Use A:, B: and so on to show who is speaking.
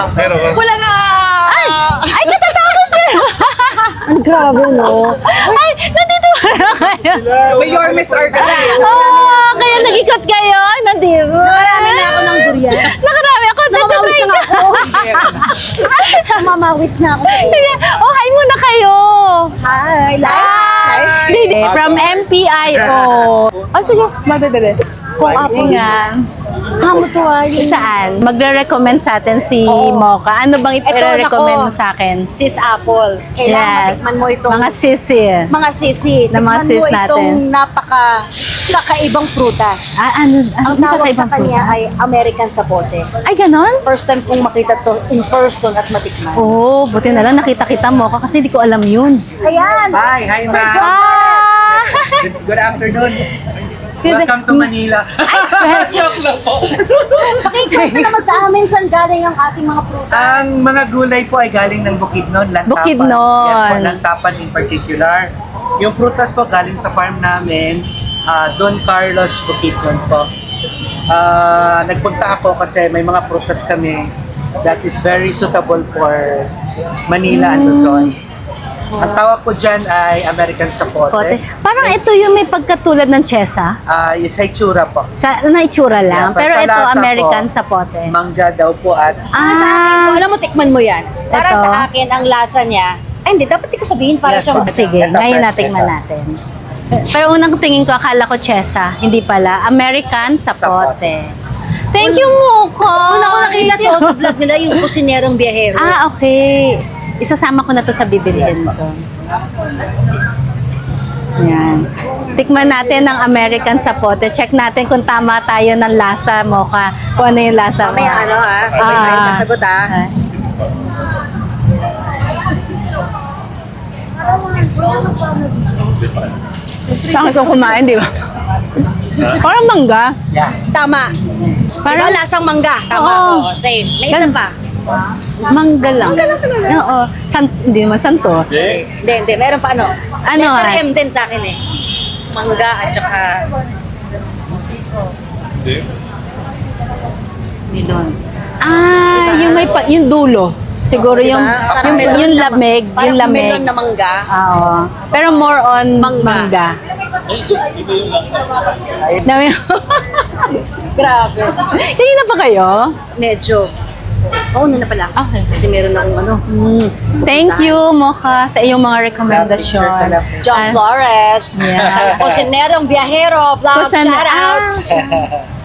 A: Pero,
B: Wala na!
C: Ay, natatakot siya! Ang grabe, no? Ay, nandito na kayo.
B: May your Miss R kasi.
C: Oo, kaya nag-ikot kayo. Nandito.
D: Nakarami na ako ng durian.
C: Nakarami ako.
D: Namamawis na ako. Namamawis na ako.
C: Sige. Oh, hi muna kayo.
D: Hi,
C: Hi. From MPIO. Oh, sige. Madadali.
D: Kung ako
C: nga.
D: Kamutuwa yun.
C: Saan? Magre-recommend sa atin si Mocha. Ano bang i-recommend mo sa akin?
D: Sis Apple. Kailangan matikman mo itong
C: Mga sisi.
D: mga sisi.
C: Na mga
D: Tikman
C: sis
D: mo itong
C: natin.
D: kakaibang prutas.
C: Ano?
D: Ang tawag sa kanya ay American sapote.
C: Ay, ganon?
D: First time kong makita to in person at matikman.
C: Oo, buti na lang nakita-kita mo kasi di ko alam yun.
D: Ayan!
A: hi, ma'am.
C: Ah!
A: Good afternoon. Welcome to Manila. Joke lang po.
D: Pakikita naman sa amin saan galing ang ating mga prutas.
A: Ang mga gulay po ay galing ng Bukidnon, Lantapan.
C: Bukidnon.
A: Yes po, Lantapan in particular. Yung prutas po galing sa farm namin, Don Carlos Bukidnon po. Nagpunta ako kasi may mga prutas kami that is very suitable for Manila and Luzon. Ang tawag ko dyan ay American
C: Pote.
A: Sapote.
C: Parang ito yung may pagkatulad ng chesa.
A: Yung sa itsura po.
C: Sa naitsura lang.
A: Yeah,
C: pero
A: sa
C: ito,
A: lasa
C: American
A: po,
C: sapote.
A: Mangga daw po at
D: Sa akin, kung alam mo, tikman mo yan. Para
C: Ito.
D: sa akin, ang lasa niya, ay hindi, dapat di ko sabihin para
A: Yes,
D: siyang...
A: po.
C: Sige,
A: Ito,
C: ngayon
A: fresh
C: natikman
A: ito.
C: natin. Pero unang tingin ko, akala ko chesa. Hindi pala. American sapote. Thank you, Mocha!
D: Una ko nakita to sa vlog nila, yung kusinerong biyahero.
C: Ah, okay. Isasama ko na to sa bibilihin ko. Yan. Tikman natin ang American sapote. Check natin kung tama tayo ng lasa, Mocha. Kung ano yung lasa mo.
D: May ano sabay tayo sasagot
C: Ah. Saan ko kumain, di ba? Parang mangga.
A: yeah.
D: Tama.
C: Parang
D: Diba lasang mangga? Tama.
C: Oo.
D: Oo, same. May isa pa.
C: mangga lang. Oo. Hindi naman santo.
D: Hindi. Meron pa ano?
C: Ano,
D: Letter
C: ah?
D: M din sa akin eh. Mangga at saka...
C: Milon. Yung may yung dulo. Siguro yung
D: Parang
C: yung,
D: melon
C: yung
D: na-
C: lamig,
D: parang
C: yung lamig.
D: melon na mangga.
C: Oo. Pero more on mangga. Dami.
D: Grabe.
C: Hindi na pa kayo?
D: Medyo. Oo, na pala.
C: Okay.
D: Kasi meron akong ano.
C: Thank you, Mocha, sa iyong mga rekomendasyon.
D: John Flores.
C: Yeah.
D: Kusinerong biyahero. Vlog,
C: Kusan-
D: shout out.